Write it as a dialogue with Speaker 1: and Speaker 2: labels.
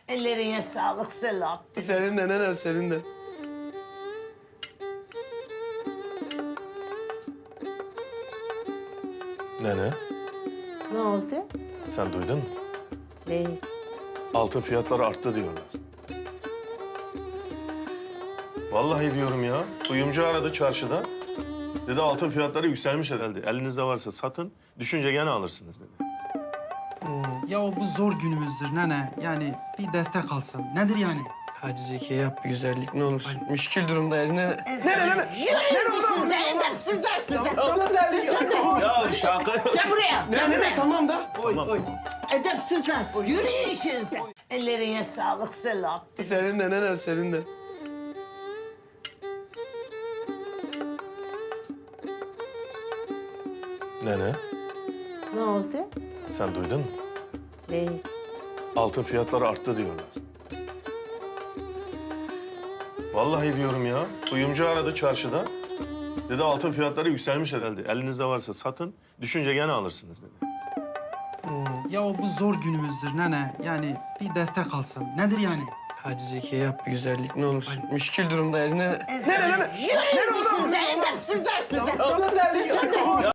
Speaker 1: Ellerine sağlık Selahattin.
Speaker 2: Senin de nenem, senin de.
Speaker 3: Nene,
Speaker 1: Ne oldu?
Speaker 3: sen duydun mu?
Speaker 1: Ne?
Speaker 3: Altın fiyatları arttı diyorlar. Vallahi diyorum ya. Kuyumcu aradı çarşıda. Dedi altın fiyatları yükselmiş herhalde. Elinizde varsa satın, düşünce gene alırsınız dedi.
Speaker 4: Ya o bu zor günümüzdür nene. Yani bir destek alsın. Nedir yani?
Speaker 2: Hadi Zeki yap bir güzellik ne olursun. Müşkil durumdayız ne?
Speaker 1: Yürüyün işinize edepsizler size.
Speaker 3: Ya şaka yok.
Speaker 1: Gel buraya. Gel buraya.
Speaker 2: Tamam da.
Speaker 3: Tamam.
Speaker 1: Edepsizler. Yürüyün işinize. Ellerine sağlık Selahattin.
Speaker 2: Senin de nenem, senin de.
Speaker 3: Nene,
Speaker 1: Ne oldu?
Speaker 3: sen duydun mu?
Speaker 1: Ne?
Speaker 3: Altın fiyatları arttı diyorlar. Vallahi diyorum ya. Kuyumcu aradı çarşıda. Dedi altın fiyatları yükselmiş herhalde. Elinizde varsa satın, düşünce gene alırsınız dedi.
Speaker 4: Ya o bu zor günümüzdür nene. Yani bir destek alsın. Nedir yani?
Speaker 2: Hadi Zeki yap bir güzellik ne olursun. Müşkil durumdayız ne?
Speaker 1: Yürüyün işinize edepsizler size.